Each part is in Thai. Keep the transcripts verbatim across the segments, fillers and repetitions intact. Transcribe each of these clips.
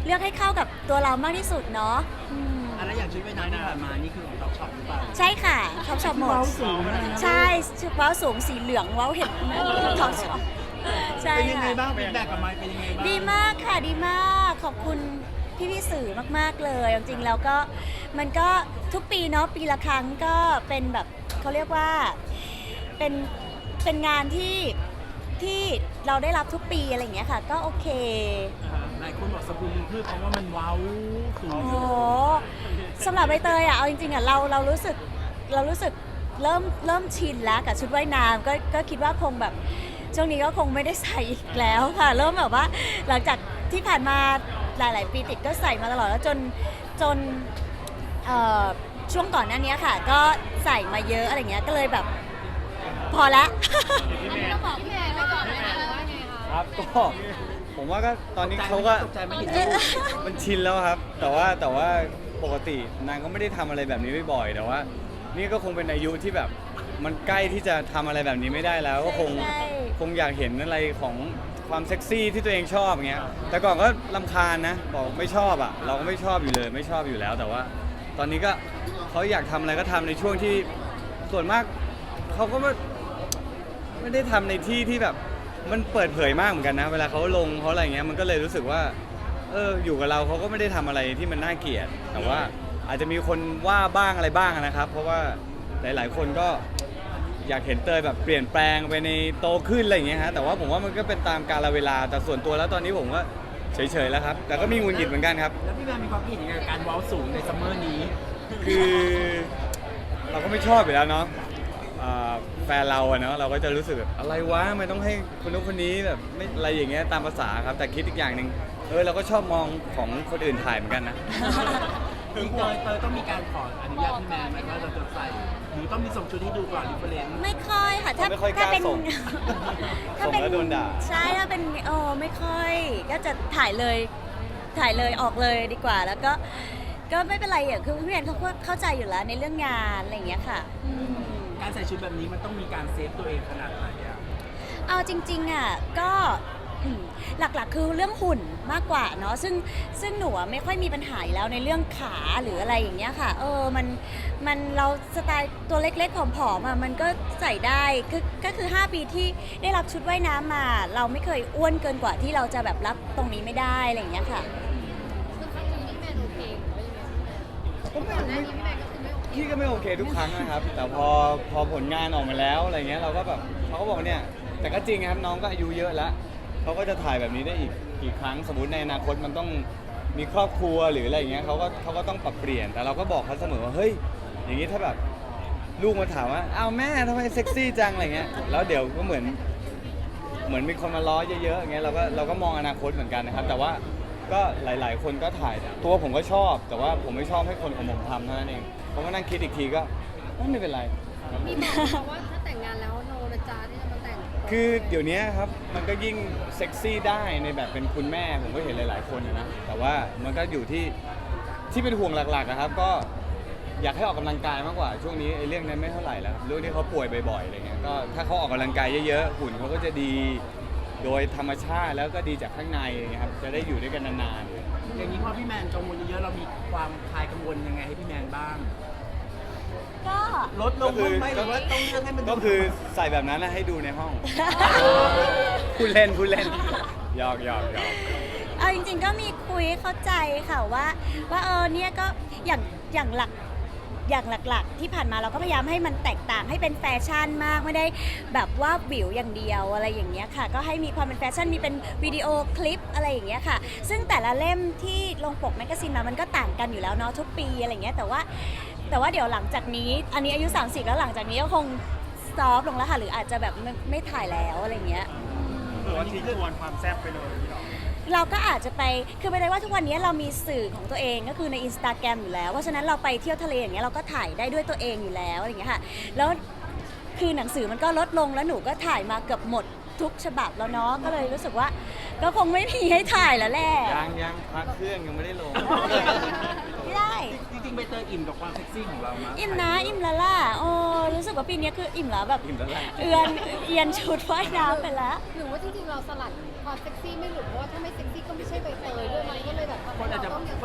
เลือกให้เข้ากับตัวเรามากที่สุดเนาะอะไรอย่างชุดว่ายน้ำที่ผ่านมานี่คือของท็อปช็อปหรือเปล่าใช่ค่ะท็อปช็อปหมดใช่ชุดว้าวสูงสีเหลืองว้าวเห็นท็อปช็อปใช่เป็นยังไงค่ะบ้างเป็นแบบกับไม้เป็นยังไงบ้างดีมากค่ะดีมากขอบคุณพี่พี่สื่อมากๆเลยจริงๆแล้วก็มันก็ทุกปีเนาะปีละครั้งก็เป็นแบบเขาเรียกว่าเป็นเป็นงานที่ที่เราได้รับทุกปีอะไรอย่างเงี้ยค่ะก็โอเคหลายคนบอกสกุลพืชเพราะว่ามันว้าวสูงโอ้โหสำหรับใบเตยอ่ะเอาจริงๆอ่ะเราเรารู้สึกเรารู้สึกเริ่มเริ่มชินแล้วกับชุดว่ายน้ำก็ก็คิดว่าคงแบบช่วงนี้ก็คงไม่ได้ใส่อีกแล้วค่ะเริ่มแบบว่าหลังจากที่ผ่านมาหลายๆปีติดก็ใส่มาตลอดแล้วจนจนช่วงก่อนหน้านี้ค่ะก็ใส่มาเยอะอะไรเงี้ยก็เลยแบบพอละอันนี้เราบอกพี่แมนไปก่อนเลยนะว่าไงคะครับก็ผมว่าก็ตอนนี้เขาก็มันชินแล้วครับ แต่ว่าแต่ว่าปกตินางก็ไม่ได้ทำอะไรแบบนี้บ่อยๆแต่ว่านี่ก็คงเป็นอายุที่แบบมันใกล้ที่จะทำอะไรแบบนี้ไม่ได้แล้วก็คงคงอยากเห็นอะไรของความเซ็กซี่ที่ตัวเองชอบอย่างเงี้ยแต่ก่อนก็รำคาญนะบอกไม่ชอบอ่ะเราก็ไม่ชอบอยู่เลยไม่ชอบอยู่แล้วแต่ว่าตอนนี้ก็เขาอยากทำอะไรก็ทำในช่วงที่ส่วนมากเขาก็ไม่ไม่ได้ทำในที่ที่แบบมันเปิดเผยมากเหมือนกันนะเวลาเขาลงเขาอะไรเงี้ยมันก็เลยรู้สึกว่าเอออยู่กับเราเขาก็ไม่ได้ทำอะไรที่มันน่าเกลียดแต่ว่าอาจจะมีคนว่าบ้างอะไรบ้างนะครับเพราะว่าหลายๆคนก็อยากเห็นเตยแบบเปลี่ยนแปลงไปในโตขึ้นอะไรอย่างเงี้ยฮะแต่ว่าผมว่ามันก็เป็นตามกาลเวลาแต่ส่วนตัวแล้วตอนนี้ผมก็เฉยๆแล้วครับแต่ก็มีงุนหงิดเหมือนกันครับแล้วพี่แมนมีความคิดเห็นยังไงกับการว้าวสูงในซัมเมอร์นี้คือเราก็ไม่ชอบอยู่แล้วเนาะแฟนเราอะเนาะเราก็จะรู้สึกแบบอะไรวะไม่ต้องให้คนนู้นคนนี้แบบไม่อะไรอย่างเงี้ยตามภาษาครับแต่คิดอีกอย่างหนึ่งเออเราก็ชอบมองของคนอื่นถ่ายเหมือนกันนะคือเตยเตยต้องมีการขออนุญาตพี่แมนไหมว่าเราจะใส่หรือต้องมีส่งชุดให้ดูก่อนรีเฟรนซ์ไม่ค่อยค่ะถ้าถ้าเป็นถ้าเป็นแล้วโดนด่าใช่ถ้าเป็นโอ้ไม่ค่อยก็จะถ่ายเลยถ่ายเลยออกเลยดีกว่าแล้วก็ก็ไม่เป็นไรอ่ะคือพี่แมนเขาเข้าใจอยู่แล้วในเรื่องงานอะไรอย่างเงี้ยค่ะการใส่ชุดแบบนี้มันต้องมีการเซฟตัวเองขนาดไหนอ่ะเอาจริงๆอ่ะก็หลักๆคือเรื่องหุ่นมากกว่าเนาะซึ่งซึ่งหนูไม่ค่อยมีปัญหาแล้วในเรื่องขาหรืออะไรอย่างเงี้ยค่ะเออมันมันเราสไตล์ตัวเล็กๆผอมๆอ่ะมันก็ใส่ได้คือก็คือห้าปีที่ได้รับชุดว่ายน้ำมาเราไม่เคยอ้วนเกินกว่าที่เราจะแบบรับตรงนี้ไม่ได้อะไรอย่างเงี้ยค่ะคือครั้งนี้พี่แมนโอเคหรือว่ายังไงก่อนหน้านี้พี่แมนก็คือไม่โอเคพี่ก็ไม่โอเคทุกครั้งนะครับแต่พอพอผลงานออกมาแล้วอะไรเงี้ยเราก็แบบเขาก็บอกเนี่ยแต่ก็จริงครับน้องก็อายุเยอะแล้วเขาก็จะถ่ายแบบนี้ได้อีกกี่ครั้งสมมติในอนาคตมันต้องมีครอบครัวหรืออะไรอย่างเงี้ยเขาก็เขาก็ต้องปรับเปลี่ยนแต่เราก็บอกเขาเสมอว่าเฮ้ยอย่างนี้ถ้าแบบลูกมาถามว่าอ้าวแม่ทำไมเซ็กซี่จังอะไรเงี้ยแล้วเดี๋ยวก็เหมือนเหมือนมีคนมาล้อเยอะๆอย่างเงี้ยเราก็เราก็มองอนาคตเหมือนกันนะครับแต่ว่าก็หลายๆคนก็ถ่ายตัวผมก็ชอบแต่ว่าผมไม่ชอบให้คนของผมทำเท่านั้นเองผมก็นั่งคิดอีกทีก็ไม่เป็นไรมีบอกว่าถ้าแต่งงานแล้วโนนะจ๊ะที่จะมาแต่งคือเดี๋ยวนี้ครับมันก็ยิ่งเซ็กซี่ได้ในแบบเป็นคุณแม่ผมก็เห็นหลายๆคนนะแต่ว่ามันก็อยู่ที่ที่เป็นห่วงหลักๆนะครับก็อยากให้ออกกำลังกายมากกว่าช่วงนี้ไอ้เรื่องนั้นไม่เท่าไหร่แล้วเรื่องที่เขาป่วยบ่อยๆอะไรเงี้ยก็ถ้าเขาออกกำลังกายเยอะๆหุ่นเขาก็จะดีโดยธรรมชาติแล้วก็ดีจากข้างในครับจะได้อยู่ด้วยกันนานๆอย่างนี้พอพี่แมนกังวลเยอะๆเรามีความคลายกังวลยังไงให้พี่แมนบ้างก็ลดลงไหมหรือว่าต้องเลือกให้มันก็คือใส่แบบนั้นให้ดูในห้องพูดเล่นพูดเล่นหยอกหยอกหยอกเอาจริงๆก็มีคุยเข้าใจค่ะว่าว่าเออเนี่ยก็อย่างอย่างหลักอย่างหลักๆที่ผ่านมาเราก็พยายามให้มันแตกต่างให้เป็นแฟชั่นมากไม่ได้แบบว่าวิวอย่างเดียวอะไรอย่างเงี้ยค่ะก็ให้มีความเป็นแฟชั่นมีเป็นวิดีโอคลิปอะไรอย่างเงี้ยค่ะซึ่งแต่ละเล่มที่ลงปกแมกกาซีนมามันก็ต่างกันอยู่แล้วเนาะทุกปีอะไรอย่างเงี้ยแต่ว่าแต่ว่าเดี๋ยวหลังจากนี้อันนี้อายุสามสิบแล้วหลังจากนี้ก็คงซอฟลงแล้วค่ะหรืออาจจะแบบไม่ไม่ถ่ายแล้วอะไรเงี้ยหรือว่าทิ้งทวนความแซ่บไปเลยพี่น้องเราก็อาจจะไปคือไม่ได้ว่าทุกวันนี้เรามีสื่อของตัวเองก็คือใน Instagram อยู่แล้วเพราะฉะนั้นเราไปเที่ยวทะเลอย่างเงี้ยเราก็ถ่ายได้ด้วยตัวเองอยู่แล้วอะไรเงี้ยค่ะแล้วคือหนังสือมันก็ลดลงแล้วหนูก็ถ่ายมาเกือบหมดทุกฉบับแล้วเนาะก็เลยรู้สึกว่าก็คงไม่มีให้ถ่ายแล้วแหละยังยังพักเครื่องยังไม่ได้ลงไม่ได้จริงๆใบเตยอิ่มกับความเซ็กซี่ของเรามั้ยอิ่มนะอิ่มแล้วล่ะโอ้รู้สึกว่าปีนี้คืออิ่มแล้วแบบอิ่มแล้วเอือนเอียนชุดว่ายน้ำไปแล้วหรือว่าจริงๆเราสลัดความเซ็กซี่ไม่หลุดเพราะว่าถ้าไม่เซ็กซี่ก็ไม่ใช่ใบเตยด้วยมันก็เลยแบบคน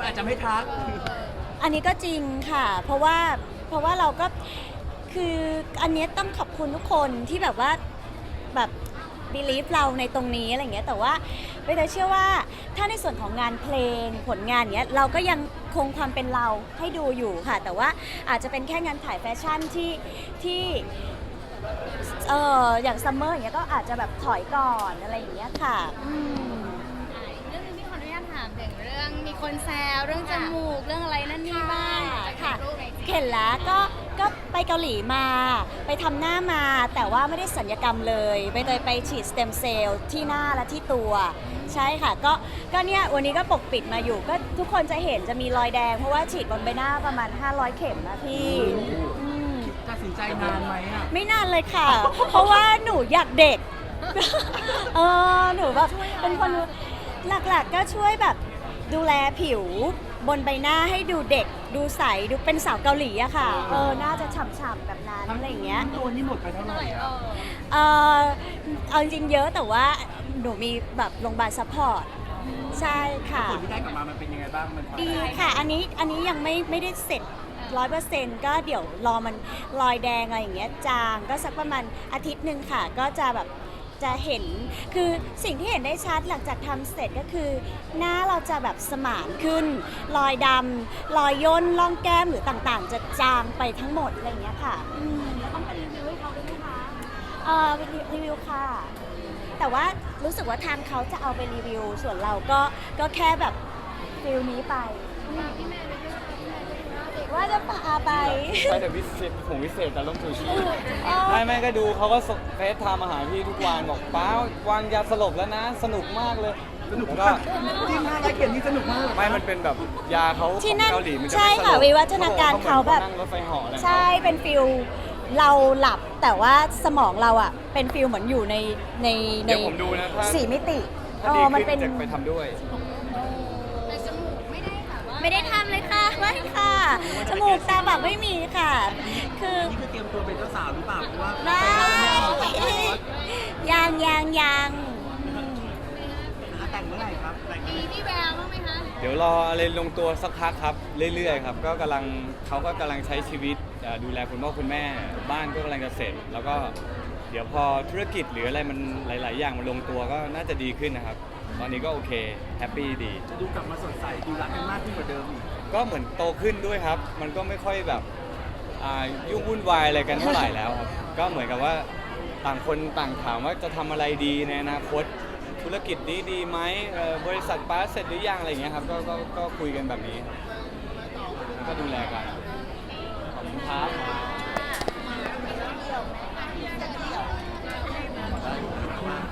คนอาจจะไม่ทักอันนี้ก็จริงค่ะ เพราะว่าเพราะว่าเราก็คืออันเนี้ยต้องขอบคุณทุกคนที่แบบว่าแบบ believe เราในตรงนี้อะไรอย่างเงี้ยแต่ว่าใบเตยเชื่อว่าถ้าในส่วนของงานเพลงผลงานเนี้ยเราก็ยังคงความเป็นเราให้ดูอยู่ค่ะ แต่ว่าอาจจะเป็นแค่งานถ่ายแฟชั่นที่ที่เอออย่างซัมเมอร์อย่างเงี้ยก็อาจจะแบบถอยก่อนอะไรอย่างเงี้ยค่ะอืมอ่ะอีกเรื่องหนึงที่ขออนุญาตถามถึงเรื่องมีคนแซวเรื่องจมูกเรื่องอะไรนั่นนี่บ้างค่ะจากรูปในจีเห็นแล้วก็ก็ไปเกาหลีมา ไปทำหน้ามา แต่ว่าไม่ได้สัญญกรรมเลยไปเลยไปฉีดสเต็มเซลล์ที่หน้าและที่ตัว ใช่ค่ะ ก็ก็เนี่ยวันนี้ก็ปกปิดมาอยู่ ก็ทุกคนจะเห็นจะมีรอยแดง เพราะว่าฉีดบนใบหน้าประมาณ ห้าร้อย เข็มนะพี่อืมตัดสินใจนานไหมอ่ะไม่นานเลยค่ะ เพราะว่าหนูอยากเด็ก เออหนูแบบเป็นคนหลักๆก็ช่วยแบบดูแลผิวบนใบหน้าให้ดูเด็ก ดูใสดูเป็นสาวเกาหลีอะค่ะ เออน่าจะฉ่ำๆแบบนั้นอะไรอย่างเงี้ยตัวนี้หมดไปเท่าไหร่เออ่ะอเออเอาจริงๆเยอะแต่ว่าหนูมีแบบโรงพยาบาลซัพพอร์ตใช่ค่ะผลที่ได้กลับมามันเป็นยังไงบ้างมันพอดีใจค่ะ อันนี้อันนี้ยังไม่ไม่ได้เสร็จร้อยเปอร์เซ็นต์ก็เดี๋ยวรอมันรอยแดงอะไรอย่างเงี้ยจางก็สักประมาณอาทิตย์หนึ่งค่ะ ก็จะแบบจะเห็นคือสิ่งที่เห็นได้ชัดหลังจากทำเสร็จก็คือ หน้าเราจะแบบสมานขึ้น รอยดำรอยย่นร่องแก้มหรือต่างๆ จะจางไปทั้งหมดอะไรอย่างเงี้ยค่ะอืมต้องไปรีวิวให้เขาด้วยไหมคะเอ่อรีวิวค่ะ แต่ว่ารู้สึกว่าทางเขาจะเอาไปรีวิว ส่วนเราก็ก็แค่แบบฟิลนี้ไปพี่แมนไปด้วยค่ะพี่แมนก็ดูหน้าเด็กว่าจะพาไปไปแต่วิเศษผมวิเศษแต่ลมถูชีเออไม่ไม่ก็ดูเขาก็เฟซไทม์มาหาพี่ทุกวันบอกป้าวางยาสลบแล้วนะ สนุกมากเลยสนุกผมมาก็กจริงห้าร้อยเข็มนี่สนุกมากไม่มันเป็นแบบยาเขาที่ของนั่นเกาหลีมันจะใช่ไม่สลค่ะบวิวัฒนาการเขาแบบนั่งรถไฟเหาะอะไรใช่เป็นฟิลเราหลับแต่ว่าสมองเราอ่ะ เป็นฟิลเหมือนอยู่ในในในเดี๋ยวผมดูนะถ้าสี่มิติถ้าเอดีอมันขึ้เป็นนจะไปทำด้วยแต่จมูกไม่ได้ค่ะว่าไม่ได้ทำเลยค่ะไม่ค่ะจมูกตาแบบไม่มีค่ะ คือนี่คือเตรียมตัวเป็นเจ้าสาวหรือเปล่าเพราะว่าไม่ยังยังยังแต่งเมื่อไหร่ครับแต่งเมื่อไหมีร่พี่แววบ้างไหมคะเดี๋ยวรออะไรลงตัวสักพักครับ เรื่อยๆครับ ก็กำลังเขาก็กำลังใช้ชีวิตเอ่อดูแลคุณพ่อคุณแม่ บ้านก็กำลังจะเสร็จ แล้วก็เดี๋ยวพอธุรกิจหรืออะไรมันหลาย ๆ อย่างมันลงตัวก็น่าจะดีขึ้นนะครับ ตอนนี้ก็โอเคแฮปปี้ดีจะดูกลับมาสดใสดูรักกันมากขึ้นกว่าเดิมอีกก็เหมือนโตขึ้นด้วยครับ มันก็ไม่ค่อยแบบอ่ายุ่งวุ่นวายอะไรกันเท่าไหร่แล้วครับ ก็เหมือนกับว่าต่างคนต่างถามว่าจะทำอะไรดีในอนาคต ธุรกิจนี้ดีไหมเอ่อบริษัทป้าเสร็จหรือยังอะไรอย่างเงี้ยครับ ก็ก็ก็คุยกันแบบนี้ครับก็ดูแลกัน